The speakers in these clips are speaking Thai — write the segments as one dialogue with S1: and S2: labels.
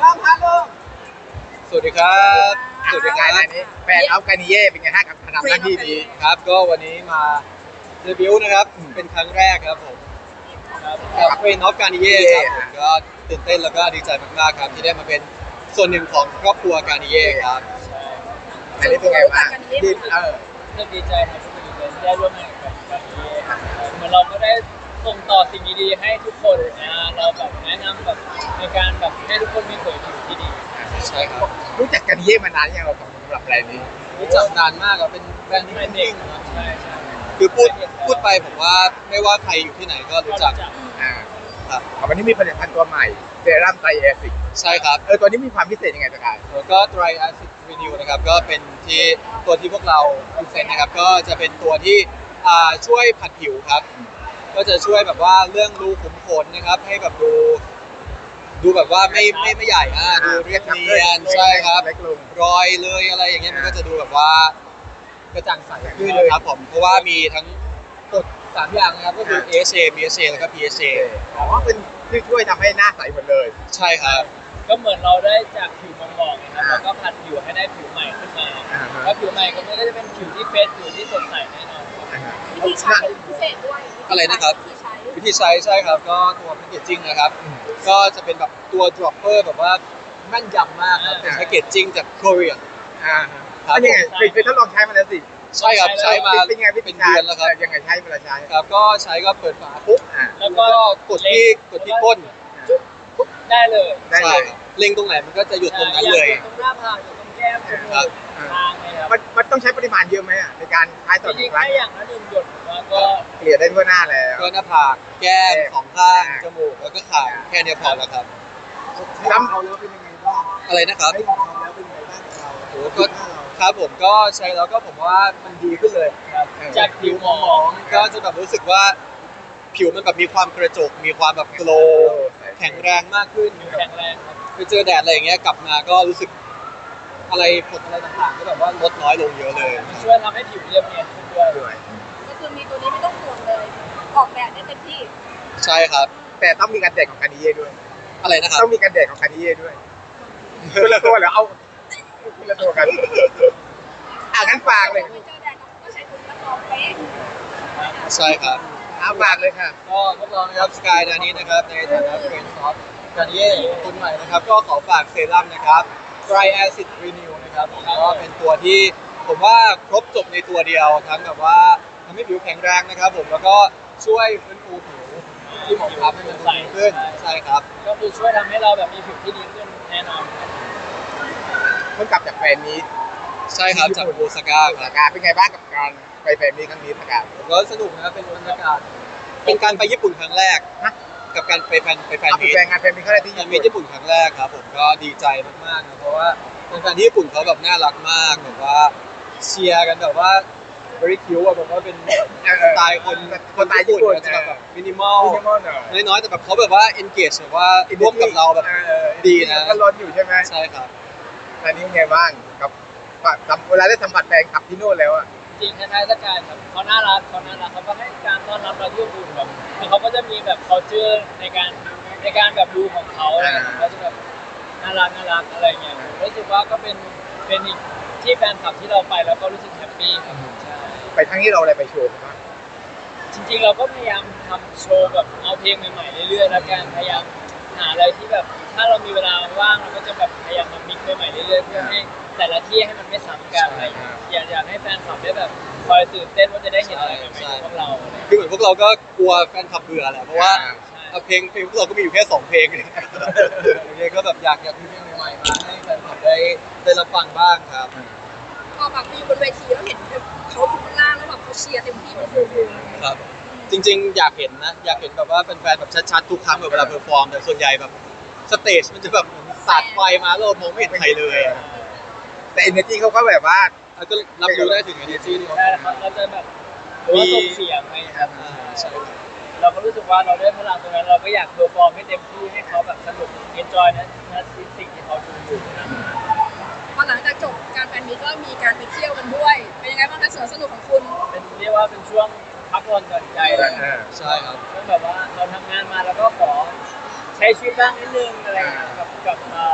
S1: พร้อมฮัลโหล
S2: สวัสดีครับ
S1: สวัสดีครับอันนี้แฟนอัฟกานิเย่เป็นไงฮะกับทำหน้าที่นี้
S2: ครับก็วันนี้มาเดบิวต์นะครับเป็นครั้งแรกครับผมกับเฟรนออฟการนิเย่ครับผมก็ตื่นเต้นแล้วก็ดีใจมากๆครับที่ได้มาเป็นส่วนหนึ่งของครอบครัวการนิเย่ครับ
S1: อันนี้เป็นไงบ้างที่
S3: ก็ดีใจครับที่ได้ร่วมงานกับการนี้เหมือนเราก็ได้ส่งต่อสิ่งดีๆให้ทุกคนเราแบบแนะนำแบบในการแบบให้ทุกคนมีเผยผิวที่ดี
S2: ใช่ครับ
S1: รู้จักกานิเย่มานานยังเราสำหรับอะไรนี้
S2: รู้จักนานมากครับเป็นแบรนด์ที่นิ่งๆนะ
S3: ใช่ใช่
S2: คือพูดไปผมว่าไม่ว่าใครอยู่ที่ไหนก็รู้จักครับ
S1: วันนี้มีผลิตภัณฑ์ตัวใหม่เซรั่มไตรแอซิด
S2: ใช่ครับ
S1: ตัวนี้มีความพิเศษยังไงสกาย
S2: แล้วก็ Dry Acid Renew นะครับก็เป็นตัวที่พวกเราพิเศษนะครับก็จะเป็นตัวที่ช่วยผัดผิวครับก็จะช่วยแบบว่าเรื่องรูขุมขนนะครับให้แบบดูแบบว่าไม่ใหญ่ดูเรียบเนียนใช่ครับรอยเลยอะไรอย่างเงี้ยมันก็จะดูแบบว่ากระจ่างใสขึ้นครับผมเพราะว่ามีทั้งกรด3อย่างนะครับก็คือ AHA BHA แล้วก็ PHA
S1: เป็นที่ช่วยทำให้หน้าใสหมดเลย
S2: ใช่ครับ
S3: ก็เหมือนเราได้จากผิวมองๆนะครับแล้วก็ผัดผิวให้ได้ผิวใหม่ขึ้นมาแล้วผิวใหม่ก็จะเป็นผิวที่เฟรชผิวที่สดใสแน่นอน
S4: วิธีใช้พิเศษด้วย
S2: อะไรนะครับวิธีใช้ใช่ครับก็ตัวแพคเกจจิ้งนะครับก็จะเป็นแบบตัว dropper แบบว่าแม่นยำมากครับเป็นแพคเกจจิ้งจากเกาหลี
S1: ครับยังไงเคยทดลองใช้มาแล้วสิ
S2: ใช่ครับใช้มา
S1: เป็นไงเป็นเดือนแล้วครับยังไงใช้เวลาใช้
S2: ครับก็ใช้ก็เปิดฝาปุ๊บ
S3: แล้วก็
S2: กดที่ก้น
S3: ได้เลย
S2: ใช่เล็งตรงไหนมันก็จะหยุดตรงนั้นเลย
S3: ตรงหน้าผากอยู่ตรงแก้มตรงทางเลยครับ
S1: มันต้องใช้ปริมาณเยอะไหมในการใช้ต่อ
S3: จริงๆแค่อย่างละ1 หยดก็
S1: เกลี่ยได้ทั่วหน้าแล้ว
S2: ก็หน้าผากแก้มสองข้างจมูกแล้วก็ขาแค่นี้พอแล้วครับ
S1: ซ้ำเขาแล้วเป็นยังไงบ้าง
S2: อะไรนะครับ
S1: ใช้ของเขาแล้วเป็นยังไงบ้างเรา
S2: โอ้ก็ครับผมก็ใช้แล้วก็ผมว่ามันดีขึ้นเลย
S3: จากผิวหมอง
S2: ก็จะแบบรู้สึกว่าผิวมันแบบมีความกระจกมีความแบบโกลแข็งแรงมากขึ้น
S3: แข็งแรงครับ
S2: ไปเจอแดดอะไรอย่างเงี้ยกลับมาก็รู้สึกอะไรผดอะไรต่างๆก็แบบว่าลดน้อยลงเยอะเลย
S3: ช่วยทำให้ผิวเรียบเนียนขึ้นด้วย
S4: ก็คือมีตัวนี้ไม่ต้องห่วงเลยออกแบบได้เต็มที่
S2: ใช่ครับ
S1: แต่ต้องมีการแดดของคานิเย่ด้วย
S2: อะไรนะครับ
S1: ต้องมีการแดดของคานิเย่ด้วยคนละตัวเหรอเอาคนละตัวกันงั้นฝากเลย
S4: เจอแดดก็ใช้ถุงกระสอบเป๊ะ
S2: ใช่ครับ
S1: ฝากเลยค่ะ
S2: ก็พวกเรานะครับสกายนานี้นะครับในฐานะเฟรนด์ซอฟการเย่คนใหม่นะครับก็ขอฝากเซรั่มนะครับ Dry Acid Renew นะครับก็เป็นตัวที่ผมว่าครบจบในตัวเดียวทั้งแบบว่าทำให้ผิวแข็งแรงนะครับผมแล้วก็ช่วยฟื้นฟูผิวที่หมองคล้ำให้มันใสขึ้นใช่ครับ
S3: ก็คือช่วยทำให้เราแบบมีผิวที่ดีขึ้นแน่นอน
S1: เพิ่งกลับจากแฟนมีต
S2: ใช่ครับจากโอซาก้า
S1: ครับเป็นไงบ้างกับการไปแฟนมีตครั้งนี้ครับ
S2: ผมก็สนุกนะครับเป็นบรรยากาศเป็นการไปญี่ปุ่นครั้งแรกกับการไปแฟนมีต
S1: งานแฟนมีตครั้งแรกที่
S2: ญี่ปุ่นครั้งแรกครับผมก็ดีใจมากๆนะเพราะว่าแฟนที่ญี่ปุ่นเขาแบบน่ารักมากแบบว่าเชียร์กันแบบว่า very cute แบบว่าเป็นสไตล์คนญี่ปุ่นจะแบบมินิมอลน้อยๆแต่แบบเขาแบบว่า engage แบบว่าร่วมกับเราแบบดีนะ
S1: ก็ร้อนอยู่ใช่ไหม
S2: ใช่ครับ
S1: อันนี้ไงบ้างกับเวลาได้สัมผัสแฟนคลับที่โน่นแล้วอ่ะ
S3: จริงคล้ายๆสกายครับเขาน่ารักเขาก็ให้การต้อนรับเราที่อบอุ่นแบบเขาก็จะมีแบบ culture ในการแบบดูของเขาเขาจะแบบน่ารักอะไรเงี้ยรู้สึกว่าก็เป็นอีกที่แฟนคลับที่เราไปแล้วก็รู้สึกแฮปปี้ครับใช่
S1: ไปทั้งที่เราอะไรไปโชว์บ้าง
S3: จริงๆเราก็พยายามทำโชว์แบบเอาเพลงใหม่ๆเรื่อยๆแล้วกันพยายามหาอะไรที่แบบถ้าเรามีเวลาว่างเราก็จะแบบพยายามมามิกซ์ใหม่ๆเรื่อยๆเพื่อให้แต่ละที่ให้มันไม่ซ้ำกันอะไรอยากให้แฟนคลับได้แบบคอยตื่นเต้นว่าจะได้เห็นอะไรใหม่ๆพวกเรา
S2: คือเหมือนพวกเราก็กลัวแฟนคลับเบื่อแหละเพราะว่าเพลงพวกเราก็มีอยู่แค่2เพลงเองก็แบบอยากมีเพลงใหม่ๆมาให้แฟนคลับได้รับฟังบ้างครับ
S4: พอแบบไปอยู่บนเวทีแล้วเห็นเขาอยู่ข้างล่างแล้วแบบเขาเชียร์เต็มที่มันคือ
S2: ครับจริงๆอยากเห็นแบบว่าแฟนๆแบบชัดๆทุกครั้งเวลาเพอร์ฟอร์มแต่ส่วนใหญ่แบบสเตจมันจะแบบสาดไฟมาแล้วมองไม่เห็นใครเลย
S1: แต่ energy เขาก็แบบว่า
S2: ก็รับรู้ได้ถึง energy นี่
S3: เราจะแบบว่าส่งเสียงไงครับใช่เราก็รู้สึกว่าเราได้พลังตรงนั้นเราก็อยากเพอร์ฟอร์มให้เต็มที่ให้เขาแบบสนุก enjoy นะสิ่งที่เขาดูอยู่นะ
S4: พอหลังจากจบการแฟนมีตก็มีการไปเที่ยวกันด้วยเป็นยังไงบ้างคะสวนสนุกของคุณ
S3: เป็นเรียกว่าเป็นช่วงพักผ่อนหย่อนใจเลย
S2: ใช่ครับ
S3: แบบว่าเราทำงานมาแล้วก็ขอใช้ชีวิตบ้างนิดนึงอะไรกับ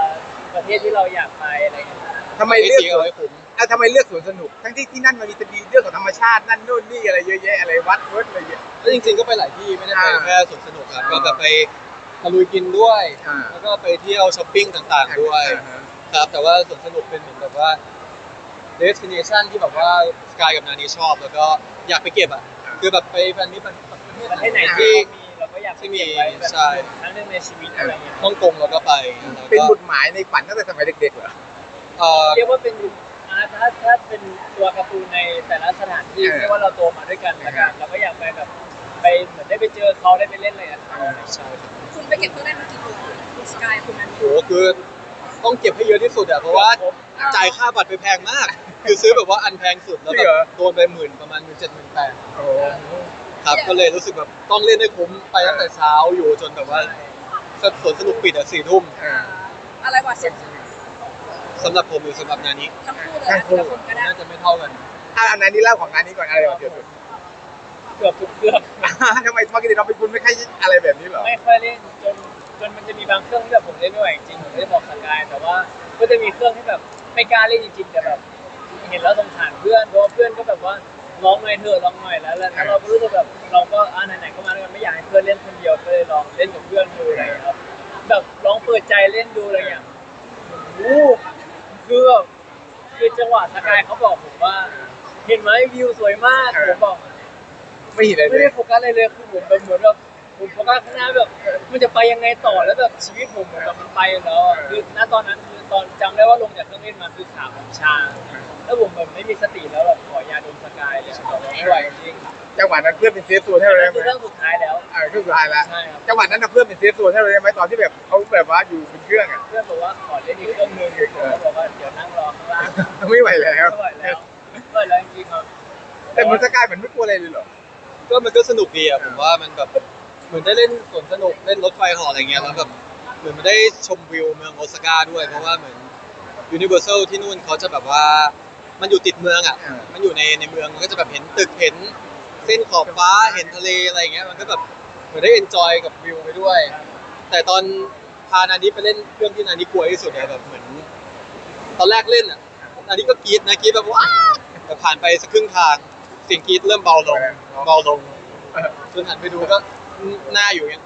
S3: ประเทศที่เราอยากไปอะไรเงี้ย
S1: ทำไม
S2: ให้
S1: เลือก
S2: เสียเอาไว้คุ้ม
S1: ทำไมเลือกสวนสนุกทั้งที่ที่นั่นมันมีจะมีเรื่องของธรรมชาตินั่นนู่นนี่อะไรเยอะแยะอะไรวัดอะไรเยอะ
S2: แล้วจริงๆก็ไปหลายที่ไม่ได้ไป
S1: อ่า
S2: แค่สวนสนุกครับก็แบบไปตะลุยกินด้วย
S1: อ่า
S2: แล้วก็ไปเที่ยวช้อปปิ้งต่างๆด้วยครับแต่ว่าสวนสนุกเป็นเหมือนแบบว่า destination ที่แบบว่าสกายกับนานีชอบ แล้วก็อยากไปเก็บอ่ะคือแบบไปแฟนมิตร
S3: ประเทศไหน
S2: ที่
S3: ที่เราก็อยากไป
S2: ที่มี
S3: เก็บไว้แบบ
S2: ใช่
S3: ครั้งหนึงในชีวิตอะไรเงี้ย
S2: ฮ่องกงเราก็ไปแล้ว
S1: เป็น
S2: ก็
S1: บุตรหมายในฝันตั้งแต่สมัยเด็กๆเหรอ
S3: เรียกว่าเป็นถ้าเป็นตัวการ์ตูนในแต่ละสถานที่
S1: เออ
S3: เรียกว่าเราโตมาด้วยกันละกันเราก็อยากไปแบบไปเหมือนได้ไปเจอเขาได้ไปเล่นอะไรกับเขา
S2: ใช่
S4: คุณไปเก็บเครื่องเล่นมากี่ตัวคุณสกายคุณนั้น
S2: โหคือต้องเก็บให้เยอะที่สุดอะเพราะว่าจ่ายค่าบัตรไปแพงมาก คือซื้อแบบว่าอันแพงสุดแล้วแบบโดนไปประมาณ17,000-18,000
S1: โอ้
S2: ครับก็เลยรู้สึกแบบต้องเล่นให้คุ้มไปตั้งแต่เช้าอยู่จนแบบว่าสวนสนุกปิดอ่ะ4 ทุ่ม
S4: อะไรกว่าเสร็จ
S2: สำหรับผมหรือสำหรับนานี้
S4: ทั้งคู่เลยนะแต่ละคนก็ได้
S2: น่าจะไม่เท่ากัน
S1: อันนั้นนี่เล่าของงานนี้ก่อนอะไรก่อนเดี๋ยวสุด
S3: เกือบทุกเครื่อง
S1: ทำไมปกติเราเป็นคุณไม่ค่อยอะไรแบบนี้เหรอ
S3: ไม่ค่อยเล่นจนมันจะมีบางเครื่องที่แบบผมเล่นไม่ไหวจริงๆผมไม่ได้บอกสกายแต่ว่าก็จะมีเครื่องที่แบบไม่กล้าเล่นจริงๆแต่แบบเห็นแล้วสงสารเพื่อนเพราะว่าเพื่อนก็แบบว่าร้องหน่อยเถอะร้องหน่อยแล้วเราก็รู้สึกแบบเราก็ไหนๆก็มาด้วยกันไม่อยากให้เพื่อนเล่นคนเดียวก็เลยลองเล่นกับเพื่อนดูอะไรอย่างเงี้ยครับแบบลองเปิดใจเล่นดูอะไรอย่างเงี้ยโอ้โหคือแบบคือจังหวะสกายเขาบอกผมว่า เห็นไหมวิวสวยมากผมบอก
S1: ไม่เห็นอะไรเล
S3: ไม่
S1: ย
S3: ได้โฟกัสอะไรเลยคือผมแบบเหมือนแบบผมโฟกัสข้างหน้าแบบมันจะไปยังไงต่อแล้วแบบชีวิตผมเหมือนแบบมันไปแล้วอะคือณตอนนั้นคือตอนจำได้ว่าลงจากเครื่องเล่นมาคือขาผมชาแล้วผมแบบไม่มีสติแล้วแบบขอยาดมสกายเลยแบบไม่ไหวจริง
S1: จังหวะนั้นเพื่อนเป็นเซฟโซนให้
S3: ๆ
S1: เรา
S3: นั่
S1: ได้
S3: น
S1: ไห
S3: คือเรื่อง
S1: ม
S3: สุดท้ายแล้ว
S1: คือสุดท้ายแล้ว
S3: ใช่ครับ
S1: จังหวะนั้นเพื่อนเป็นเซฟโซนให้เราได้ไหมตอนที่แบบเขาแบบว่าอยู่บนเครื่องอ่ะ
S3: เพื่อนบอกว่าขอเล่นอีกเครื่องนึงผมก็บอกว่าเดี๋ยวนั่งรอข้างล่าง
S1: ไม่ไหวแล้ว
S3: ไม่ไหวแล้วไม่ไหวแล้วจริงๆครับ
S1: แต่มันสกายเหมือนไม่กลัวอะไรเลยเหรอ
S2: ก็มันก็สนุกดีอะผมว่ามันแบบเหมือนได้เล่นสวนสนุกเล่นรถไฟเหาะอะไรเงี้ยแล้วแบบเหมือนมันได้ชมวิวเมืองโอซาก้าด้วยเพราะว่าเหมือนยูนิเวอร์แซลที่นู่นเขาจะแบบว่ามันอยู่ติดเมืองอ่ะมันอยู่ในเมืองมันก็จะแบบเห็นตึกเห็นเส้นขอบฟ้าเห็นทะเลอะไรอย่างเงี้ยมันก็แบบเหมือนได้เอนจอยกับวิวไปด้วย แต่ตอนพานานิไปเล่นเครื่องที่นานิกลัวที่สุดเนี่ยแบบเหมือนตอนแรกเล่นอ่ะนานิก็กรี๊ดนะกรี๊ดแบบว้าแต่ผ่านไปสักครึ่งทางเสียงกรี๊ดเริ่มเบาลงจนหันไปดูก็หน้าอยู่อย่างเงี้ย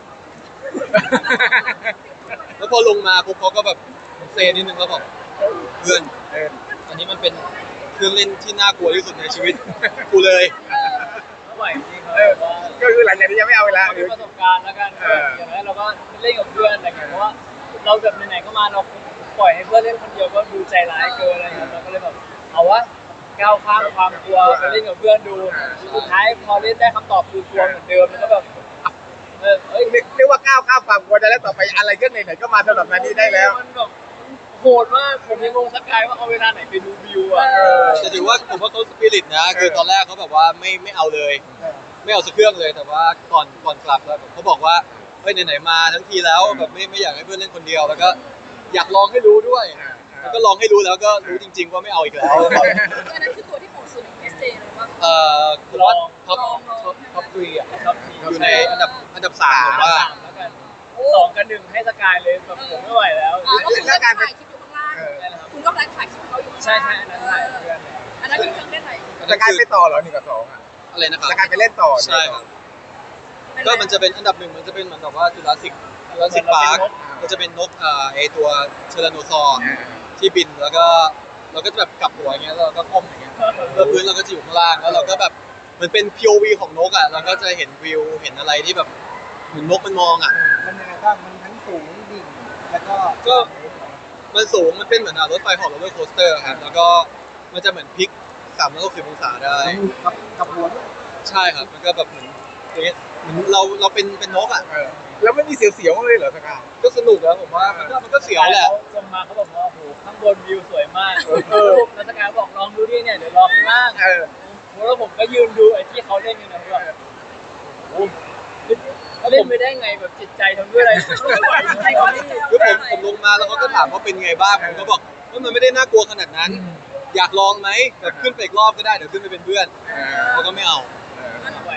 S2: แล้วพอลงมาปุ๊บเขาก็แบบเซนิดนึงแล้วบอกเพื่อนอันนี้มันเป็นเครื่องเล่นที่น่ากลัวที่สุดในชีวิตกูเลย
S3: ไม่ไหวจริงๆครับว่า
S1: ก็คือหลังจากนี้ยังไม่เอาเวลา
S3: เรามีประสบการณ์แล้วกันอย่างนั้นเราก็เล่นกับเพื่อนอะไรเงี้ยเพราะว่าเราแบบไหนๆก็มาเราปล่อยให้เพื่อนเล่นคนเดียวก็ดูใจร้ายเกินอะไรเงี้ยเราก็เลยแบบเอาวะก้าวข้ามความกลัวไปเล่นกับเพื่อนดูสุดท้ายพอเล่นได้คำตอบคือกลัวเหมือนเดิมแล้วก็แบบเอ้ย
S1: เรียกว่าก้าวข้ามความกลัวได้แล้วต่อไปอะไรก็ไหนๆก็มาสำหรับนันนี้ได้แล้ว
S3: มันแบบโหดมากผมยังงงสกายว่าเอาเวลาไหนไปดูวิวอ่ะ
S2: แต่ถือว่าผมว่าเขาสปิริตนะคือตอนแรกเขาแบบว่าไม่เอาเลย ไม่เอาสักเครื่องเลยแต่ว่าก่อนกลับแล้วเขาบอกว่าเฮ้ยไหนๆมาทั้งทีแล้วแบบไม่อยากให้เพื่อนเล่นคนเดียวแล้วก็อยากลองให้รู้ด้วยแล้วก็ลองให้รู้แล้วก็รู้จริง ๆ ว่าไม่เอาอีกแล้ว
S4: อันนั้นคือตัวที่โหดสุดใน SJ เลยว่า
S2: ผมว่าท็อป3อ่ะ
S3: ครับ
S2: อยู่ในอันดับ3ผมว่า
S3: แล้วกัน2 กับ 1ให้สกายเลยแบบผมไม่ไหวแล้ว
S4: อ๋อแล้วคุณก็ถ่ายคลิปอยู่ข้างล่างคุณก็ไลฟ์ถ่ายคลิปเขาอยู่ข้าง
S3: ใช่
S4: ล่าง
S3: ใช่อันนั้นถ่ายเพื่อนเลย
S4: อันนั้นคือเครื่องเล่นไหน
S1: สกายไปต่อเหรอ1 กับ 2อ่ะ
S2: อะไรนะครับ
S1: สกายไปเล่นต่อ
S2: ใช่ครับก็มันจะเป็นอันดับ 1มันจะเป็นเหมือนกับว่าจุฬาสิกพาร์คก็จะเป็นนกไอตัวเชลโนซอร์ที่บินแล้วก็เราก็จะแบบกลับหัวอย่างเงี้ยแล้วเราก็ก้มอย่างเงี้ยแล้วพื้นเราก็จะอยู่ข้างล่างแล้วเราก็แบบมันเป็น POV ของนกอ่ะเราก็จะเห็นวิวเห็นอะไรที่แบบเหมือนนกมันมองอ่ะ
S5: มันยังไงบ้างมันทั้งสูงดิ่งแล้วก็
S2: ก็มันสูงมันเป็นเหมือนรถไฟเหาะโรลเลอร์โคสเตอร์ครับแล้วก็มันจะเหมือนพลิก360 องศาได้
S5: กับหัวด้วย
S2: ใช่ครับมันก็แบบเหมือนอย่างเงี้ยเหมือนเราเป็นนกอ่ะ
S1: แล้วไม่มีเสียวๆเลยเหรอสกาย
S2: ก็สนุกแล้วผมว่ามันก็เสียวแหละ
S3: ลงมาเขาบอกว่าโอ้โหข้างบนวิวสวยมากแล้วสกายบอกลองดูดิเนี่ยเดี๋ยวลองข้างล่างแล้วผมก็ยืนดูไอ้ที่เขาเล่นอยู่นะแบบโอ้โหเล่นไปได้ไงแบบจิตใจทำด้วยอะไรไม่ไหวจริงๆ
S2: คือผมลงมาแล้วเขาก็ถามว่าเป็นไงบ้างผมก็บอกว่ามันไม่ได้น่ากลัวขนาดนั้น อยากลองไหมแบบขึ้นไปอีกรอบก็ได้เดี๋ยวขึ้นไปเป็นเพื่อนเขาก็ไม่เอา
S3: ไม่ไหวจริง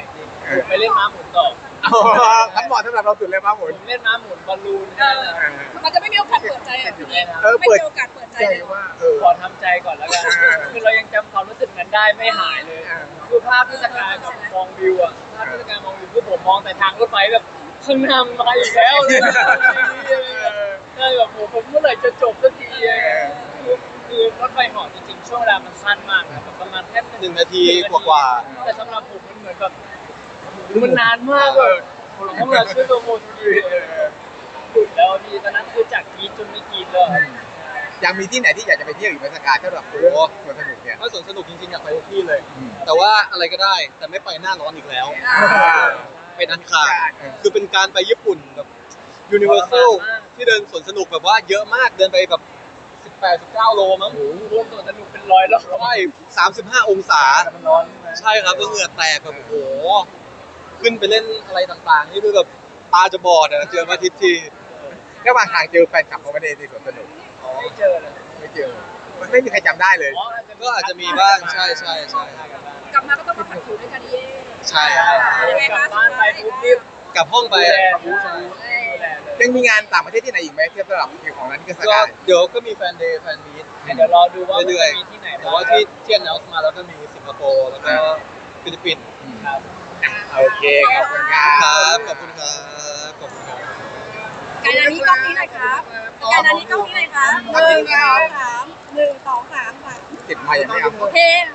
S3: ผมไปเล่นม้าหมุนต่อ
S1: ทั้งหมดสำหรับเราสุดเลยม้าหมุ
S3: ผ
S1: น
S3: มเล่นม้าหมุนบอลลูนนั่นแหละ
S4: มันจะไม่มีโอกาสเปิดใจอ่ะทีนี้
S1: เออ
S4: ไม่
S1: เปิด
S4: มีโอกาสเปิดใจ
S1: ใจ
S4: เลย
S1: ว่า
S3: ขอทำใจก่อนแล้วกันคือเรายังจำความรู้สึกนั้นได้ไม่หายเลย คือภาพเทศกาลกับมองวิวอ่ะภาพเทศกาลมองวิวคือผมมองแต่ทางรถไฟแบบข้างหน้ามันมาอีกแล้วเลยใช่แบบผมเมื่อไหร่จะจบสักทีคือรถไฟเหาะจริงๆช่วงเวลามันสั้นมากนะแบบประมาณแค่
S2: 1 นาทีกว่า
S3: แต่สำหรับผมมันเหมือนแบบมันนานมากเลยผมเลยช่วยโปรโมทดีหยุดแล้วพี่ตอนนั้นคือจากกรีดจนไม่กรีดเลย
S1: ยังมีที่ไหนที่อยากจะไปเที่ยวอีกไหมสกายถ้าแบบโอ้สวนสนุกเนี่ย
S2: ๆถ้าสวนสนุกจริงๆอยากไปทุกที่เลย แต่ว่าอะไรก็ได้แต่ไม่ไปหน้าร้อนอีกแล้ว เป็นอันขาดคือเป็นการไปญี่ปุ่นแบบยูนิเวอร์แซลที่เดินสวนสนุกแบบว่าเยอะมากเดินไปแบบ18-19 โลมั้ง
S3: รวมตัวสนุกเป็นร้อยรอบ
S2: ใช่35 องศา
S5: มันร้อนใช่ไหม
S2: ใช่ครับแล้วเหงื่อแตกแบบโอ้โหขึ้นไปเล่นอะไรต่างๆนี่คือแบบตาจะบอดอะเจอมาทิตย์ที
S1: ระหว่างทางเจอแฟนคลับเขาไม่ได้ที่สวนสนุก
S3: ไม่เจอเลย
S1: ไม่เจอมันไม่มีใครจำได้เลย
S2: ก็อาจจะมีบ้างใช่ใช่ใช่
S4: กลับมาก็ต้องมาผัดผิวด้วยกันเย่
S2: ใช่
S4: ยังไง
S3: กลั
S4: คะ
S3: บบ้านไปปุ๊บรีบ
S2: กลับห้องไป
S3: ดูแล
S2: อะ
S3: ดูแลเลย
S1: ยังมีงานต่างประเทศที่ไหนอีกไหมเทียบสำหรับคิวของนั้นที่ก็ส
S2: ก็
S1: กาย
S2: เดี๋ยวก็มีแฟนเดย์แฟนมีต
S3: เดี๋ยวรอดูว่ามัน
S2: เรื่อย
S3: จะมีที่ไหน
S2: ๆแต่
S3: บ้าง
S2: ว่าที่announceมาแล้วก็มีสิงคโปร์แล้วก็ฟิลิปปินส์
S3: ครับ
S1: โอเคขอบคุณครั
S2: ครับ
S1: บ
S2: ขอบคุณครับขอบคุณครับ
S4: การอันนี้กล้องนี้หน่อยครับการอันนี้กล้องนี้หน่อยครับ1 2 3 1 2 3
S1: ติดไมค์ยังไม่เอา
S4: โอเค